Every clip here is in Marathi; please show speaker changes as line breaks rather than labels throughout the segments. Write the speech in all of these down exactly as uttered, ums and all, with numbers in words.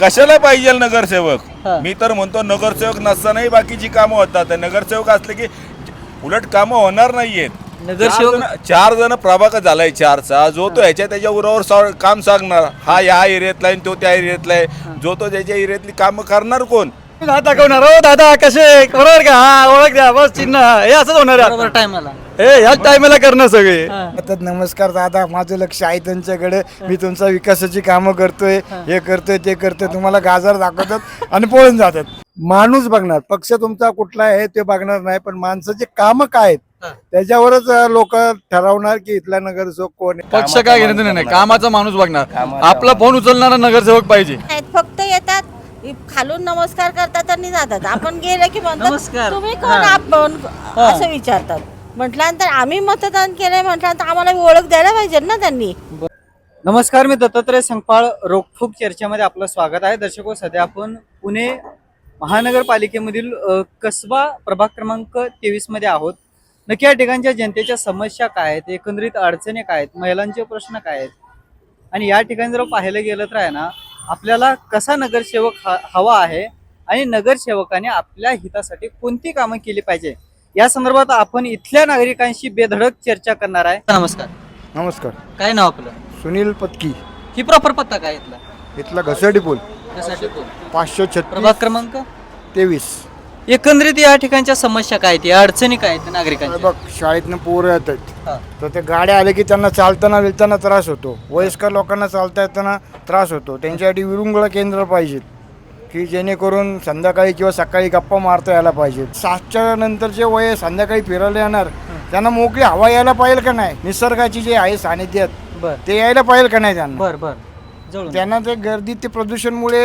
कशाला पाहिजे नगरसेवक? मी तर म्हणतो नगरसेवक नसतानाही बाकीची कामं होतात. नगरसेवक असले की उलट कामं होणार नाहीयेत. नगरसेवक चार जण प्रभाग झालाय चारचा, जो तो ह्याच्या त्याच्या उरावर काम सांगणार, हा या एरियातला आहे तो त्या एरियातला आहे, जो तो त्याच्या एरियातली कामं करणार कोण?
दाखवणार हो दादा कसे बरोबर का? हा ओळख द्या बस चिन्ह हे असंच होणार
टायमाला
हे ह्याच टायमाला करणं सगळे.
नमस्कार दादा, माझं लक्ष आहे त्यांच्याकडे, मी तुमचा विकासाची कामं करतोय, हे करतोय ते करतोय, तुम्हाला गाजर दाखवतात आणि पळून जातात. माणूस बघणार, पक्ष तुमचा कुठला आहे ते बघणार नाही, पण माणसाचे काम काय आहेत त्याच्यावरच लोक ठरवणार की इथला नगरसेवक कोण आहे.
पक्ष काय घेणं नाही, कामाचा माणूस बघणार. आपला फोन उचलणारा नगरसेवक पाहिजे.
फक्त येतात खालून नमस्कार करतात आणि जातात. आपण गेले की म्हणतात
नमस्कार.
तुम्ही कोण, आपण असं विचारतात. म्हटल्यानंतर आम्ही मतदान केलंय म्हटल्यानंतर आम्हाला ओळख द्यायला पाहिजे ना त्यांनी.
नमस्कार, मी दत्तात्रय संगपाळ. रोखोक चर्चेमध्ये आपलं स्वागत आहे. दर्शको, सध्या आपण पुणे महानगरपालिकेमधील अ, कसबा प्रभाग क्रमांक तेवीस मध्ये आहोत. नक्की या ठिकाणच्या जनतेच्या समस्या काय आहेत, एकंदरीत अडचणी काय आहेत, महिलांचे प्रश्न काय आहेत, आणि या ठिकाणी जर पाहायला गेलं तर आहे ना, आपल्याला कसा नगरसेवक हा हवा आहे आणि नगरसेवकाने आपल्या हितासाठी कोणती कामं केली पाहिजे या संदर्भात आपण इथल्या नागरिकांशी बेधडक चर्चा करणार आहे. नमस्कार.
नमस्कार,
काय नाव आपलं?
सुनील पत्की,
ही प्रॉपर पत्ता काय इथला?
इथला घसरडी पूल,
त्यासाठी कोण?
पाचशे
प्रभाग
छत्तीस
क्रमांक
तेवीस.
एकंदरीत या ठिकाणच्या समस्या काय आहेत, या अडचणी काय आहेत नागरिकांच्या?
बघ, शाळेतनं पोरं येतात
हा.
तर ते गाड्या आले की त्यांना चालताना विलताना त्रास होतो. वयस्कर लोकांना चालता येताना त्रास होतो. त्यांच्यासाठी विरुंगळ केंद्र पाहिजेत की जेणेकरून संध्याकाळी किंवा सकाळी गप्पा मारता यायला पाहिजेत. सातच्या नंतरचे वय संध्याकाळी फिरायला येणार, त्यांना मोकळी हवा यायला पाहिजे का नाही, निसर्गाची जे आहे सानिध्यात
बर
ते यायला पाहिजे का नाही त्यांना.
बर बर जवळून.
त्यांना ते गर्दीत ते प्रदूषणमुळे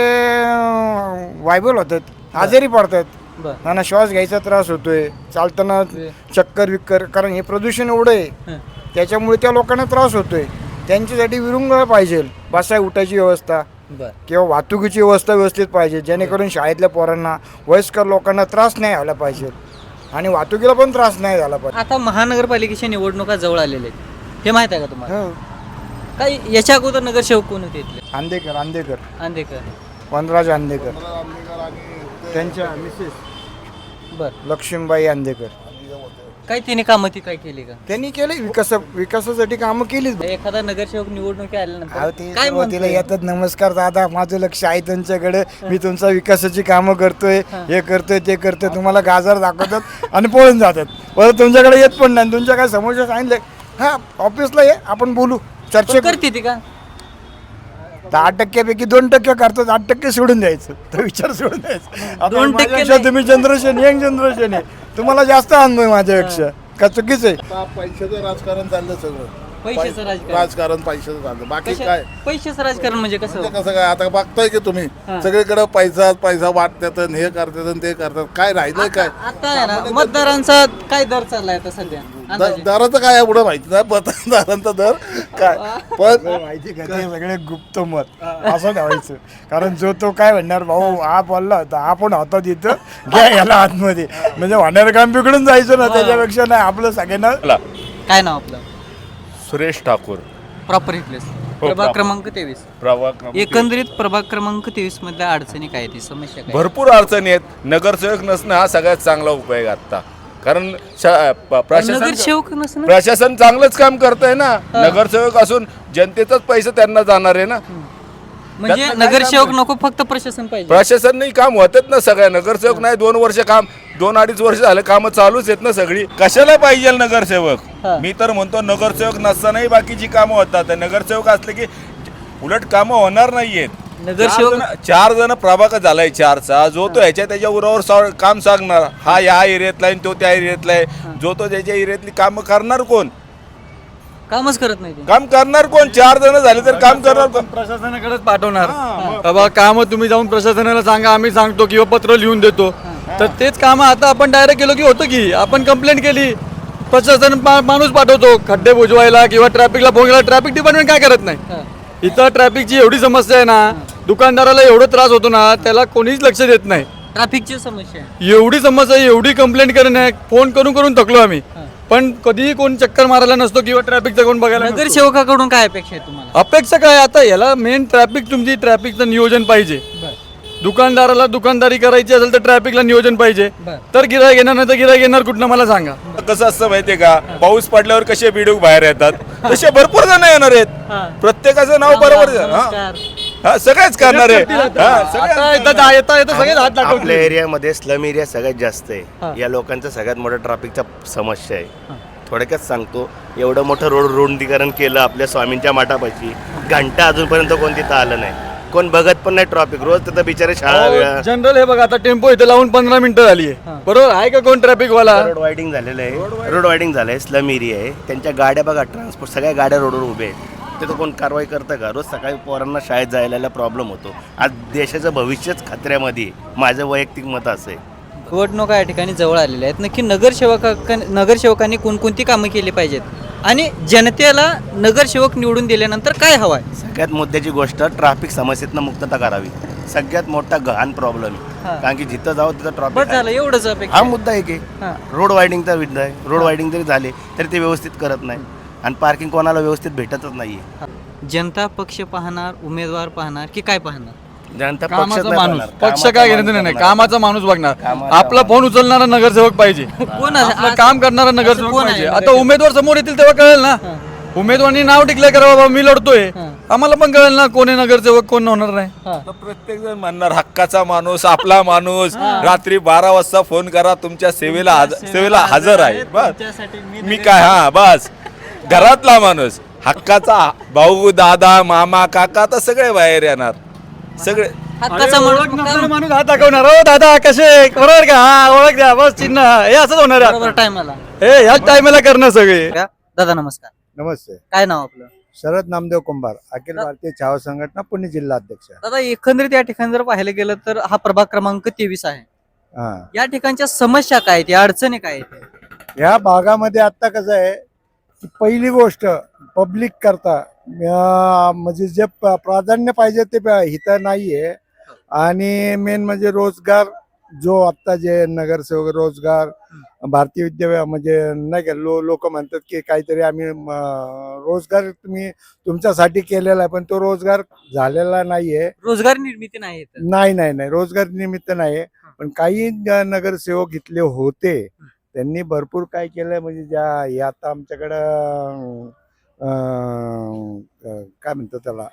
व्हायबल होतात, आजारी पडतात.
बर
त्यांना श्वास घ्यायचा त्रास होतोय, चालताना चक्कर विक्कर, कारण हे प्रदूषण एवढं आहे
हं.
त्याच्यामुळे त्या लोकांना त्रास होतोय. त्यांच्यासाठी विरुंगळ पाहिजे, बसाय उठायची व्यवस्था
बर
किंवा वाहतुकीची व्यवस्था व्यवस्थित पाहिजे, जेणेकरून शाळेतल्या पोरांना, वयस्कर लोकांना त्रास नाही व्हायला पाहिजे आणि वाहतुकीला पण त्रास नाही झाला पाहिजे.
आता महानगरपालिकेच्या निवडणुका जवळ आलेल्या आहेत, हे माहित आहे का तुम्हाला?
हो.
काय याच्या अगोदर नगरसेवक कोण होते इथले?
आंदेकर अंधेकर
अंधेकर.
वनराज अंधेकर, त्यांच्या मिसेस
बर
लक्ष्मीबाई अंधेकर,
काय तिने कामं ती काय केली का?
त्यांनी केले विकास विकासासाठी कामं केलीच.
एखादा नगरसेवक निवडणुकी
अहो,
आल्यानंतर
ते
काय
सुरुवातीला
म्हणतोय?
येतात, नमस्कार दादा, माझं लक्ष आहे त्यांच्याकडे, मी तुमचा विकासाची कामं करतोय, हे करतोय ते करतोय, तुम्हाला गाजर दाखवतात आणि पळून जातात. परत तुमच्याकडे येत पण नाही. तुमच्या काय समस्या सांगितलं, हा ऑफिसला ये, आपण बोलू, चर्चा
पण
करू.
करते ती का?
दहा टक्क्यापैकी दोन टक्के करतात, आठ टक्के सोडून द्यायचं, तो विचार सोडून द्यायचा. आता
दोन टक्के
माझ्यापेक्षा
नाही.
तुम्ही जनरेशन यंग जनरेशन आहे, तुम्हाला जास्त अनुभव आहे माझ्यापेक्षा. का चुकीचं आहे?
पैशाचं राजकारण चाललं सगळं.
पैशाचं राजकारण.
राजकारण पैशाचं चाललं, बाकी
कशा-
काय
पैशाचं राजकारण म्हणजे कसं?
म्हणजे कसं काय, आता बघताय की तुम्ही
हा.
सगळीकडे पैसा पैसा वाटतात आणि हे करतात आणि ते करतात, काय राहिलंय काय?
आता आहे ना, मतदारांचा काय दर चाललाय आता सध्या अंदाजे?
द- दराचं काय एवढं माहिती नाही, मतदारांचा दर काय, पण
माहिती का, ते सगळे गुप्त मत असं ठेवायचं. कारण जो तो काय म्हणणार, भाऊ हा बोलला होता, हा पण होता तिथं, घ्या याला आतमध्ये, म्हणजे होणार काम बिघडून जायचं ना. त्याच्यापेक्षा नाही, आपलं सगळ्यांना.
काय नाव आपलं?
Suresh Thakur,
proper place. प्रभाग
proper.
क्रमांक तेवीस.
प्रभाग क्रमांक
एकंदरीत प्रभाग क्रमांक तेवीस मधल्या अडचणी काय ती समस्या काय?
भरपूर अडचणी आहेत. नगरसेवक नसणं हा सगळ्यात चांगला उपाय आहे आता. कारण शा- प- प्रशासन
नगरसेवक नसणं
प्रशासन चांगलंच काम करतंय ना. नगरसेवक असून जनतेचाच पैसे त्यांना जाणार आहे ना.
म्हणजे
त्यातनं काय
नगरसेवक
काम
नको, फक्त प्रशासन पाहिजे.
प्रशासन नाही, काम होतात ना सगळ्या. नगरसेवक नाही, दोन वर्ष काम, दोन अडीच वर्ष झाले कामं चालूच आहेत ना सगळी. कशाला पाहिजे नगरसेवक?
हा.
मी तर म्हणतो नगरसेवक नसतानाही बाकीची कामं होतात. नगरसेवक असले की उलट कामं होणार नाहीयेत.
नगरसेवक
चार जण- चार जण प्रभाग झालाय चारचा, जो तो ह्याच्या त्याच्या उरावर सा- काम सांगणार, हा या एरियातला आहे तो त्या एरियातला आहे, जो तो त्याच्या एरियातली कामं करणार कोण?
कामच करत नाही ते.
काम करणार कोण? चार जण झाले तर काम करणार कोण?
प्रशासनाकडेच पाठवणार. बाबा काम तुम्ही जाऊन प्रशासनाला सांगा, आम्ही सांगतो किंवा पत्र लिहून देतो. तर तेच काम आता आपण डायरेक्ट केलो की होतं की आपण कंप्लेंट केली, प्रशासन मा- माणूस पाठवतो खड्डे बुजवायला किंवा ट्रॅफिकला फोन केला. ट्रॅफिक डिपार्टमेंट काय करत नाही.
हा.
इथं ट्रॅफिकची एवढी समस्या आहे ना, दुकानदाराला एवढं त्रास होतो ना, त्याला कोणीच लक्ष देत नाही.
ट्रॅफिकची समस्या आहे.
एवढी समस्या, एवढी कंप्लेंट करणे, फोन करून करून थकलो आम्ही, पण कधीही कोण चक्कर मारायला नसतो किंवा ट्रॅफिकचा कोण बघायला नसतो.
नगरसेवकाकडून काय अपेक्षा आहे तुम्हाला?
अपेक्षा काय, आता याला मेन ट्रॅफिक, तुमची ट्रॅफिकचं नियोजन पाहिजे.
बरं.
दुकानदाराला दुकानदारी करायची असेल तर ट्रॅफिकला नियोजन पाहिजे.
बर.
तर गिरायक येणार नाही तर गिरायक येणार कुठनं मला सांगा.
कसं असतं माहितीये का, पाऊस पडल्यावर कसे बिडूक बाहेर येतात तसे भरपूर जण येणार आहेत. प्रत्येकाचं नाव बरोबर हा. हा, सगळेच करणार आहे. हा, सगळे-
आता येता येता येता सगळे हात
आपल्या
दाखवले.
एरियामध्ये स्लम एरिया सगळ्यात जास्त आहे. या लोकांचा सगळ्यात मोठा ट्रॅफिकचा समस्या आहे. थोडक्यात सांगतो, एवढं मोठं रोड रुंदीकरण केलं आपल्या स्वामींच्या माठापाशी, घंटा अजूनपर्यंत कोण तिथं आलं नाही, कोण बघत पण नाही ट्रॅफिक. रोज तिथं बिचारे शाळा वेळा
जनरल हे बघा आता टेम्पो इथे लावून पंधरा मिनिटं झाली आहे. बरोबर आहे का कोण ट्रॅफिक वाला?
रोड वायडिंग झालेलं आहे. रोड वायडिंग झालंय, स्लम एरिया आहे. त्यांच्या गाड्या बघा, ट्रान्सपोर्ट सगळ्या गाड्या रोडवर उभे आहेत. तिथं कोण कारवाई करतं का? रोज सकाळी पोरांना शाळेत जायला प्रॉब्लेम होतो. आज देशाचं भविष्यच खतऱ्यामध्ये आहे. माझं वैयक्तिक मत असं आहे.
निवडणुका या ठिकाणी जवळ आलेल्या आहेत. नक्की नगरसेवका नगरसेवकांनी कोणकोणती कामं केली पाहिजेत आणि जनतेला नगरसेवक निवडून दिल्यानंतर काय हवंय?
सगळ्यात मुद्द्याची गोष्ट, ट्रॅफिक समस्येतनं मुक्तता करावी. सगळ्यात मोठा गहन प्रॉब्लेम
हा.
आहे. कारण की जिथं जाऊ तिथं
बस
ट्रॅफिक
झालं एवढंच
हा
अपेक्षा.
मुद्दा एक आहे.
हा.
रोड वायडिंगचा मुद्दा आहे. रोड वायडिंग जरी झाले तरी ते व्यवस्थित करत नाही आणि पार्किंग कोणाला व्यवस्थित भेटतच नाहीये.
जनता पक्ष पाहणार, उमेदवार पाहणार की काय पाहणार?
जनता पक्ष
कामाचा माणूस, पक्ष काय घेणं देणं नाही, कामाचा माणूस बघणार.
कामाचा
आपला फोन उचलणारा नगरसेवक पाहिजे,
कोण आहे?
आपलं काम करणारा नगरसेवक
कोण आहे
पाहिजे. आता
नगरसेवक?
उमेदवार समोर येतील तेव्हा कळेल ना. उमेदवारांनी नाव डिक्लेअर करा, बाबा मी लढतोय, आम्हाला पण कळेल ना कोण आहे नगरसेवक कोण होणार नाही.
तर प्रत्येक जण म्हणणार हक्काचा माणूस, आपला माणूस. रात्री बारा वाजता फोन करा, तुमच्या सेवेला हज- सेवेला हजर आहे. बस मी काय, हा बस घरातला माणूस, हक्काचा भाऊ, दादा, मामा, काका, आता सगळे बाहेर येणार. सगळे
हक्काचा
अरे,
माणूस
ओळख नसलेला माणूस हात दाखवणार. हो दादा कसे आहे? बरोबर का? हा ओळख द्या, बस चिन्ह हे असंच होणार आहे
बरोबर
आता.
टायमाला.
हे ह्याच टायमाला करणं सगळे.
दादा नमस्कार,
नमस्ते.
काय नाव आपलं?
शरद नामदेव कुंभार, अखिल भारतीय छावा संघटना पुणे जिल्हा अध्यक्ष.
दादा एकंदरीत या ठिकाणी जर पाहायला गेलं तर हा प्रभाग क्रमांक तेवीस आहे.
हा,
या ठिकाणच्या समस्या काय आहेत, या अडचणी काय आहेत?
ह्या भागामध्ये आता कसं आहे की पहिली गोष्ट पब्लिक करता अं, म्हणजे जे प- प्राधान्य पाहिजे ते प- इथं नाहीये. आणि मेन म्हणजे रोजगार, जो आता जे नगरसेवक रोजगार भारतीय विद्या म्हणजे नाही का, लो लोक म्हणतात की काहीतरी आम्ही म, रोजगार तुम्ही तुमच्यासाठी केलेला आहे, पण तो रोजगार झालेला नाहीये.
रोजगार निर्मिती नाही इथं.
नाही नाही नाही रोजगार निमित्त नाही. पण काही ज- नगरसेवक इथले होते, त्यांनी भरपूर काय केलंय. म्हणजे ज्या हे आता आमच्याकडं अं, अं, काय म्हणतात त्याला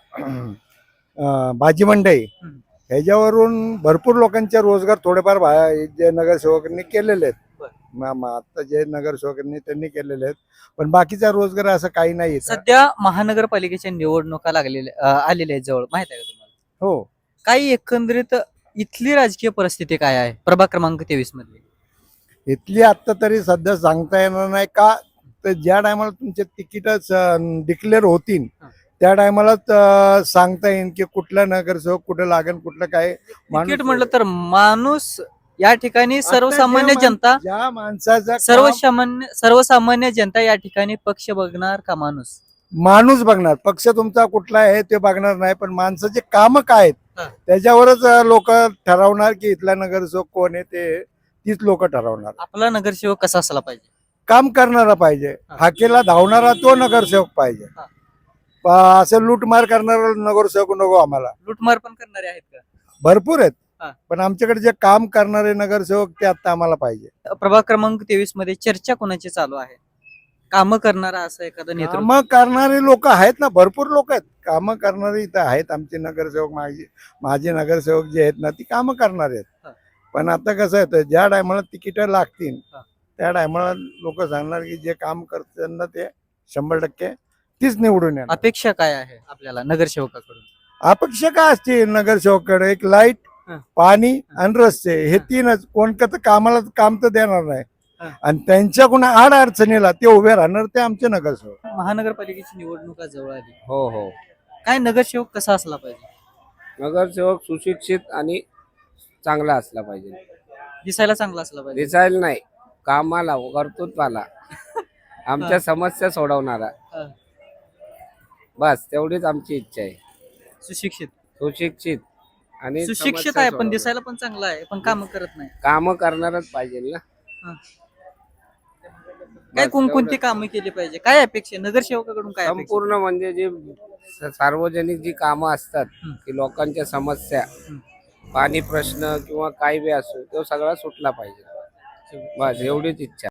अं, भाजी मंडई,
हम्म.
ह्याच्यावरून भरपूर लोकांचे रोजगार थोडेफार भा- जे नगरसेवकांनी केलेले आहेत.
बरं.
म- म- आता जे नगरसेवकांनी त्यांनी केलेले आहेत, पण बाकीचा रोजगार असं काही नाही इथं.
सध्या महानगरपालिकेच्या निवडणुका लागलेल्या अं, आलेल्या आहेत जवळ, माहित आहे का तुम्हाला?
हो,
काही एकंदरीत इथली राजकीय परिस्थिती काय आहे प्रभाग क्रमांक तेवीस मध्ये?
इथली आत्ता तरी सध्या सांगता येणार नाही का, तर ज्या टायमाला तुमचे तिकीट डिक्लेअर होतील त्या टायमालाच सांगता येईल की कुठला नगरसेवक कुठं लागेल, कुठलं काय.
तिकीट म्हटलं तर माणूस या ठिकाणी सर्वसामान्य जनता,
ज्या माणसाचा काम-
सर्वसामान्य सर्वसामान्य जनता या ठिकाणी पक्ष बघणार का माणूस?
माणूस बघणार, पक्ष तुमचा कुठला आहे ते बघणार नाही, पण माणसाचे काम काय
हा.
आहेत त्याच्यावरच लोक ठरवणार की इथला नगरसेवक कोण आहे. ते तीच लोक ठरवणार.
आपला नगरसेवक कसा असला पाहिजे?
काम करणारा पाहिजे,
हा.
हाकेला धावणारा तो नगरसेवक पाहिजे.
हा.
प- असं लूटमार करणारा नगरसेवक नको आम्हाला.
लुटमार पण करणारे आहेत का?
भरपूर आहेत,
हा.
पण आमच्याकडे जे काम करणारे नगरसेवक ते आता आम्हाला पाहिजे.
प्रभाग क्रमांक तेवीस मध्ये चर्चा कोणाची चालू आहे? काम करणारा असं एखादं नेतृत्व?
कामं करणारे लोक आहेत ना, भरपूर लोक आहेत. कामं करणारे इथं आहेत आमचे नगरसेवक. माझे माझे नगरसेवक जे आहेत ना, ती कामं करणारे
हा.
आहेत. पण आता कसं आहे, तर ज्या टायमाला तिकीट लागतील
हा.
त्या टायमाला लोक सांगणार की जे काम करतात ना ते शंभर टक्के तीच निवडून येणार.
अपेक्षा काय आहे आपल्याला नगरसेवकाकडून?
अपेक्षा काय असते नगरसेवकाकडे? एक लाईट,
हा.
पाणी आणि रस्ते, हे तीनच. कोणतं कामाला काम तर देणार नाही.
हा.
आणि त्यांच्या कोणा आड अडचणीला ते उभे राहणार ते आमचे नगरसेवक.
महानगरपालिकेची निवडणुका जवळ आली,
हो हो.
काय नगरसेवक कसा असला पाहिजे?
नगरसेवक सुशिक्षित आणि चांगला असला पाहिजे.
दिसायला चांगला असला पाहिजे.
दिसायला नाही, कामाला, कर्तृत्वाला, आमच्या समस्या सोडवणारा,
हा.
बस तेवढीच आमची इच्छा आहे.
सुशिक्षित
सुशिक्षित आणि
सुशिक्षित आहे पण दिसायला पण चांगला आहे, पण काम करत नाही.
काम करणारच पाहिजे ना.
काय
बस
कोणकोणती
तेवढंच.
कामं केली पाहिजे? काय अपेक्षा नगरसेवकाकडून? काय अपेक्षा?
संपूर्ण म्हणजे जी स- सार्वजनिक जी कामं असतात
हं.
की लोकांच्या समस्या
हं.
पाणी प्रश्न किंवा काय बी असो तो सगळा सुटला पाहिजे बस एवढीच इच्छा.